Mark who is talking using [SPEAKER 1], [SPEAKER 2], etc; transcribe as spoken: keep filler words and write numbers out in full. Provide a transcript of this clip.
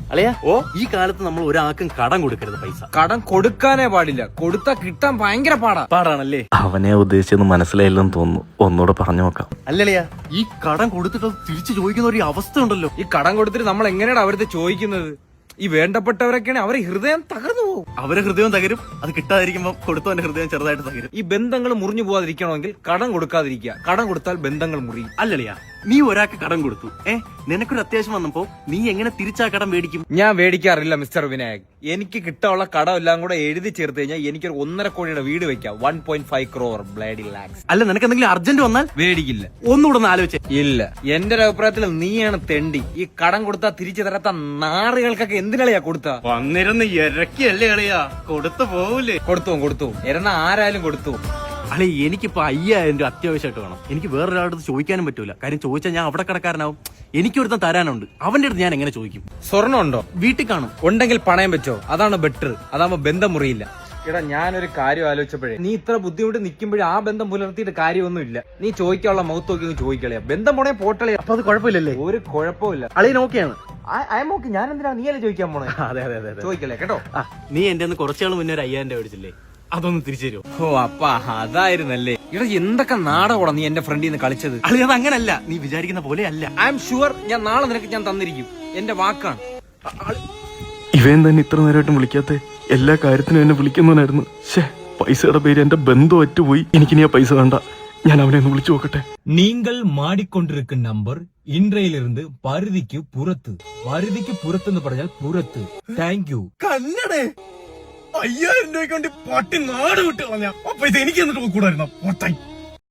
[SPEAKER 1] അല്ലയാ ഓ ഈ കാലത്ത് നമ്മൾ ഒരാൾക്കും കടം കൊടുക്കരുത്. പൈസ
[SPEAKER 2] കടം കൊടുക്കാനേ പാടില്ല, കൊടുത്താ കിട്ടാൻ ഭയങ്കര പാടാ
[SPEAKER 1] പാടാണല്ലേ.
[SPEAKER 3] അവനെ ഉദ്ദേശിച്ചെന്ന് മനസ്സിലായില്ലെന്ന് തോന്നുന്നു, ഒന്നുകൂടെ പറഞ്ഞു നോക്കാം.
[SPEAKER 1] അല്ലല്ലയാ ഈ കടം കൊടുത്തിട്ട് തിരിച്ചു ചോദിക്കുന്ന ഒരു അവസ്ഥ ഉണ്ടല്ലോ.
[SPEAKER 2] ഈ കടം കൊടുത്തിട്ട് നമ്മൾ എങ്ങനെയാണ് അവരത് ചോദിക്കുന്നത്? ഈ വേണ്ടപ്പെട്ടവരൊക്കെയാണ് അവരെ ഹൃദയം തകർന്നു പോകും.
[SPEAKER 1] അവരെ ഹൃദയം തകരും, അത് കിട്ടാതിരിക്കുമ്പോൾ കൊടുത്തവന്റെ ഹൃദയം ചെറുതായിട്ട് തകരും.
[SPEAKER 2] ഈ ബന്ധങ്ങൾ മുറിഞ്ഞു പോകാതിരിക്കണമെങ്കിൽ കടം കൊടുക്കാതിരിക്കുക. കടം കൊടുത്താൽ ബന്ധങ്ങൾ മുറിയും.
[SPEAKER 1] അല്ലല്ലയാ നീ ഒരാൾക്ക് കടം കൊടുത്തു, ഏ നിനക്കൊരു അത്യാവശ്യം വന്നപ്പോ നീ എങ്ങനെ തിരിച്ചാ കടം മേടിക്കും?
[SPEAKER 2] ഞാൻ മേടിക്കാറില്ല മിസ്റ്റർ വിനായക്. എനിക്ക് കിട്ടാനുള്ള കടം എല്ലാം കൂടെ എഴുതി ചേർത്ത് കഴിഞ്ഞാൽ എനിക്കൊരു ഒന്നര കോടിയുടെ വീട് വെക്കാം. One point five crore bloody lakhs.
[SPEAKER 1] അല്ല നിനക്ക് എന്തെങ്കിലും അർജന്റ് വന്നാൽ
[SPEAKER 2] മേടിക്കില്ല.
[SPEAKER 1] ഒന്നുകൂടെ ഒന്ന് ആലോചിച്ചേ.
[SPEAKER 2] ഇല്ല, എന്റെ ഒരു അഭിപ്രായത്തിൽ നീയാണ് തെണ്ടി. ഈ കടം കൊടുത്താൽ തിരിച്ചു തരാത്ത നാറുകൾക്കൊക്കെ എന്തിനാളിയാ കൊടുത്താ?
[SPEAKER 1] വന്നിരുന്ന് ഇരക്കിയല്ലേ കളിയാ, കൊടുത്തു പോവൂലേ?
[SPEAKER 2] കൊടുത്തു കൊടുത്തു എരന്ന ആരായാലും കൊടുത്തു.
[SPEAKER 1] അല്ലെ എനിക്കിപ്പോ അയ്യായിരം രൂപ അത്യാവശ്യമായിട്ട് വേണം. എനിക്ക് വേറൊരാളുടെ ചോദിക്കാനും പറ്റൂല, കാര്യം ചോദിച്ചാൽ ഞാൻ അവിടെ കടക്കാരനാവും. എനിക്കൊരുത്തൻ തരാനുണ്ട്, അവന്റെ അടുത്ത് ഞാൻ എങ്ങനെ ചോദിക്കും?
[SPEAKER 2] സ്വർണ്ണം ഉണ്ടോ?
[SPEAKER 1] വീട്ടിൽ കാണും.
[SPEAKER 2] ഉണ്ടെങ്കിൽ പണയം വെച്ചോ, അതാണ് ബെറ്റർ. അതാകുമ്പോ ബന്ധം മുറിയില്ല. എടാ ഞാനൊരു കാര്യം ആലോചിച്ചപ്പോഴേ, നീ ഇത്ര ബുദ്ധിമുട്ട് നിൽക്കുമ്പോഴേ ആ ബന്ധം പുലർത്തിയിട്ട് കാര്യമൊന്നുമില്ല. നീ ചോദിക്കാനുള്ള മൗത്ത് നോക്കി ചോദിക്കളയാ. ബന്ധം പോണേ പോട്ടളയാ.
[SPEAKER 1] അപ്പൊ അത് കുഴപ്പമില്ലല്ലേ?
[SPEAKER 2] ഒരു കുഴപ്പമില്ല.
[SPEAKER 1] അളിയൻ ഓക്കെയാണ്.
[SPEAKER 2] നോക്കി ഞാൻ എന്തിനാ നീയല്ലേ ചോദിക്കാൻ പോണേ?
[SPEAKER 1] അതെ അതെ അതെ
[SPEAKER 2] ചോദിക്കലേ കേട്ടോ.
[SPEAKER 1] ആ നീ എന്റെ കുറച്ചാൾ മുന്നേ ഒരു അയ്യായിരം രൂപ മേടിച്ചില്ലേ, അതൊന്ന് തിരിച്ചു തരുമോ?
[SPEAKER 2] ഓ അപ്പ അതായിരുന്നല്ലേ. ഇവിടെ എന്തൊക്കെ നാടകോടാ നീ എന്റെ ഫ്രണ്ടിൽ നിന്ന് കളിച്ചത്.
[SPEAKER 1] അളി അത് അങ്ങനല്ല, നീ വിചാരിക്കുന്ന പോലെ അല്ല.
[SPEAKER 2] ഐ എം ഷുവർ, ഞാൻ നാളെ നിനക്ക് ഞാൻ തന്നിരിക്കും. എന്റെ വാക്കാണ്.
[SPEAKER 3] ഇവൻ തന്നെ ഇത്ര നേരമായിട്ടും വിളിക്കാത്ത, എല്ലാ കാര്യത്തിനും എന്നെ വിളിക്കുന്നവനായിരുന്നു. ശേ, പൈസയുടെ പേര് എന്റെ ബന്ധം ഒറ്റുപോയി. എനിക്കിനി ആ പൈസ വേണ്ട, ഞാൻ അവനെ ഒന്ന് വിളിച്ചു നോക്കട്ടെ.
[SPEAKER 4] நீங்கள் மாடிக்கொண்டிருக்கும் நம்பர் இன்றையிலிருந்து பருதிக்கு புறத்து. பருதிக்கு புறத்துன்னு പറഞ്ഞാൽ പുറത്ത്. Thank you.
[SPEAKER 1] കന്നടേ അയ്യായിരം രൂപയ്ക്ക് വേണ്ടി പട്ടി നാട് വിട്ട് കളഞ്ഞ പൈസ എനിക്ക് എന്നിട്ട് കൂടായിരുന്നോ?